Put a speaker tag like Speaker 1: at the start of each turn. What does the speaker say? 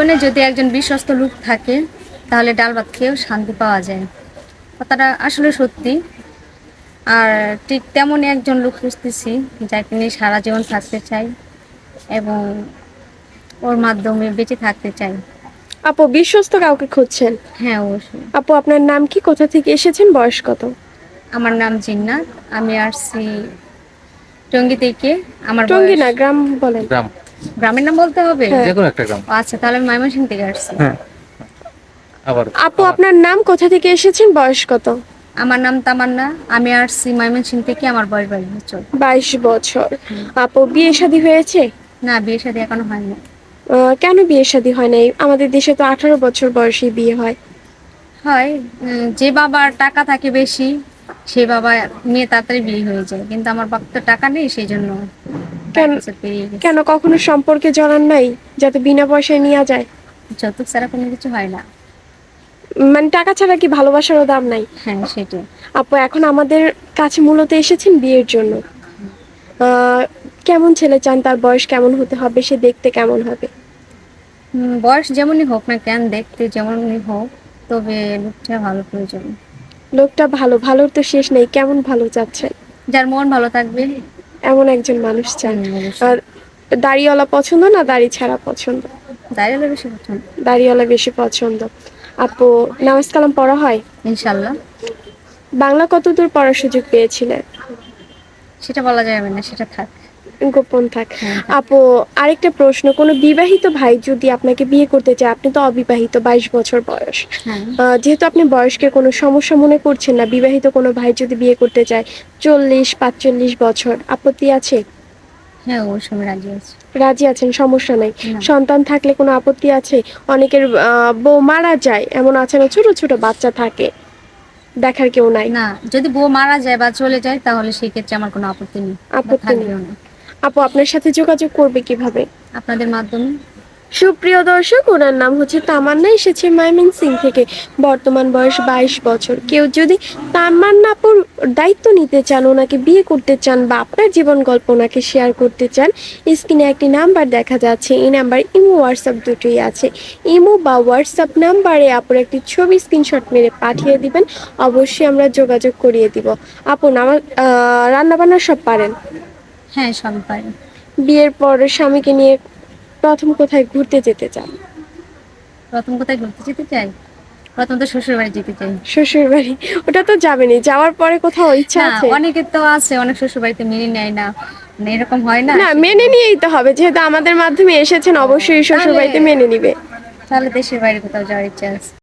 Speaker 1: জীবনে যদি একজন বিশ্বস্ত লোক থাকে তাহলে ডাল ভাত খেয়েও শান্তি পাওয়া যায়। কথাটা আসলে সত্যি। আর ঠিক তেমনই একজন লোক খুঁজতেছি যাকে নিয়ে সারা জীবন থাকতে চাই এবং ওর মাধ্যমে বেঁচে থাকতে চাই।
Speaker 2: আপু বিশ্বস্ত কাউকে খুঁজছেন?
Speaker 1: হ্যাঁ, অবশ্যই।
Speaker 2: আপু আপনার নাম কি, কোথা থেকে এসেছেন, বয়স কত?
Speaker 1: আমার নাম জিন্নাত। আমি আসছি টঙ্গী থেকে। আমার
Speaker 2: টঙ্গী
Speaker 1: বয়স
Speaker 2: না, গ্রাম বলেন।
Speaker 3: গ্রাম,
Speaker 1: গ্রামের নাম বলতে হবে?
Speaker 2: হ্যাঁ।
Speaker 3: যেকোনো একটা গ্রাম।
Speaker 1: ও আচ্ছা, তাহলে আমি ময়মনসিংহ থেকে আসছি।
Speaker 3: হ্যাঁ, আবার
Speaker 2: আপু আপনার নাম, কোথা থেকে এসেছেন, বয়স কত?
Speaker 1: আমার নাম তামান্না। আমি আসছি ময়মনসিংহ থেকে। আমার বয়স 22 বছর।
Speaker 2: 22 বছর। আপু বিয়ে শাদী হয়েছে?
Speaker 1: না, বিয়ে শাদী এখনো হয়নি।
Speaker 2: কেন বিয়ে শাদী হয় নাই? আমাদের দেশে তো 18 বছর বয়সেই বিয়ে হয়।
Speaker 1: হয়, যে বাবার টাকা থাকে বেশি সে বাবা মেয়ে তাড়াতাড়ি বিয়ে হয়ে যায়, কিন্তু আমার বাবার তো টাকা নেই, সেই জন্য
Speaker 2: কেন?
Speaker 1: 22 বছর পেরিয়ে গেছে।
Speaker 2: কেন কখনো সম্পর্কে জড়ান নাই, যাতে বিনা পয়সায় নেওয়া যায়?
Speaker 1: যৌতুক ছাড়া কোনো কিছু হয় না।
Speaker 2: মানে টাকা ছাড়া কি ভালোবাসারও দাম নাই?
Speaker 1: হ্যাঁ, সেটাই।
Speaker 2: আপু এখন আমাদের কাছে মূলত এসেছেন বিয়ের জন্য। আহ, কেমন ছেলে চান? তার বয়স কেমন হতে হবে? সে দেখতে কেমন হবে?
Speaker 1: বয়স যেমনই হোক না কেন, দেখতে যেমনই হোক, তবে লোকটা ভালো প্রয়োজন।
Speaker 2: লোকটা ভালো? ভালোর তো শেষ নেই, কেমন ভালো চাচ্ছেন?
Speaker 1: যার মন ভালো থাকবে।
Speaker 2: এমন একজন মানুষ চান।
Speaker 1: অবশ্যই।
Speaker 2: আর দাড়িওয়ালা পছন্দ না দাড়ি ছাড়া পছন্দ?
Speaker 1: দাঁড়িয়ে বেশি পছন্দ।
Speaker 2: দাড়িওয়ালা বেশি পছন্দ। আপু নামাজ কালাম পড়া হয়?
Speaker 1: ইনশাল্লাহ।
Speaker 2: বাংলা কতদূর পড়ার সুযোগ পেয়েছিলেন?
Speaker 1: সেটা বলা যাবে না, সেটা থাক।
Speaker 2: গোপন থাক।
Speaker 1: হ্যাঁ, থাক।
Speaker 2: আপু আরেকটা প্রশ্ন, কোনো বিবাহিত ভাই যদি আপনাকে বিয়ে করতে চায়, আপনি তো অবিবাহিত, 22 বছর বয়স,
Speaker 1: হ্যাঁ।
Speaker 2: যেহেতু আপনি বয়সকে কোনো সমস্যা মনে করছেন না, বিবাহিত কোনো ভাই যদি বিয়ে করতে চায় 40-45 বছর, আপত্তি আছে?
Speaker 1: হ্যাঁ, অবশ্যই আমি রাজি আছি।
Speaker 2: রাজি আছেন, সমস্যা নাই?
Speaker 1: না।
Speaker 2: সন্তান থাকলে কোনো আপত্তি আছে? অনেকের বউ মারা যায়, এমন আছে না, ছোট ছোট বাচ্চা থাকে, দেখার কেউ নাই।
Speaker 1: না, যদি বউ মারা যায় বা চলে যায় তাহলে সেই ক্ষেত্রে আমার কোনো আপত্তি নেই, বা
Speaker 2: আপত্তি নেই।
Speaker 1: থাকবেও না।
Speaker 2: আপু আপনার সাথে যোগাযোগ করবে কিভাবে?
Speaker 1: আপনাদের মাধ্যমে।
Speaker 2: সুপ্রিয় দর্শক, ওনার নাম হচ্ছে তামান্না, এসেছে ময়মনসিংহ থেকে। বর্তমান বয়স 22 বছর। কেউ যদি তামান্নাপুর দায়িত্ব নিতে চান, ওনাকে বিয়ে করতে চান, বা আপনার জীবন গল্প ওনাকে শেয়ার করতে চান, স্ক্রিনে একটি নাম্বার দেখা যাচ্ছে। এই নাম্বার ইমো হোয়াটসঅ্যাপ দুটোই আছে। ইমো বা হোয়াটসঅ্যাপ নাম্বারে আপুর একটি ছবি স্ক্রিনশট মেরে পাঠিয়ে দিবেন, অবশ্যই আমরা যোগাযোগ করিয়ে দিব। আপু রান্না বান্না সব পারেন?
Speaker 1: হ্যাঁ, সবই পারি।
Speaker 2: বিয়ের পর স্বামীকে নিয়ে প্রথম কোথায় ঘুরতে যেতে চান?
Speaker 1: প্রথম কোথায় ঘুরতে যেতে চাই? প্রথম তো শ্বশুর বাড়ি যেতে চাই।
Speaker 2: শ্বশুর বাড়ি? ওটা তো যাবেনই, যাওয়ার পরে কোথাও ইচ্ছা
Speaker 1: না,
Speaker 2: আছে?
Speaker 1: অনেকের তো আছে, অনেক শ্বশুর বাড়িতে মেনে নেয় না, মানে এরকম হয় না,
Speaker 2: না,
Speaker 1: সেজন্য।
Speaker 2: মেনে নিয়েই তো হবে, যেহেতু আমাদের মাধ্যমে এসেছেন, অবশ্যই শ্বশুর
Speaker 1: তাহলে
Speaker 2: বাড়িতে মেনে নিবে।
Speaker 1: তাহলে দেশের বাইরে কোথাও যাওয়ার ইচ্ছা আছে।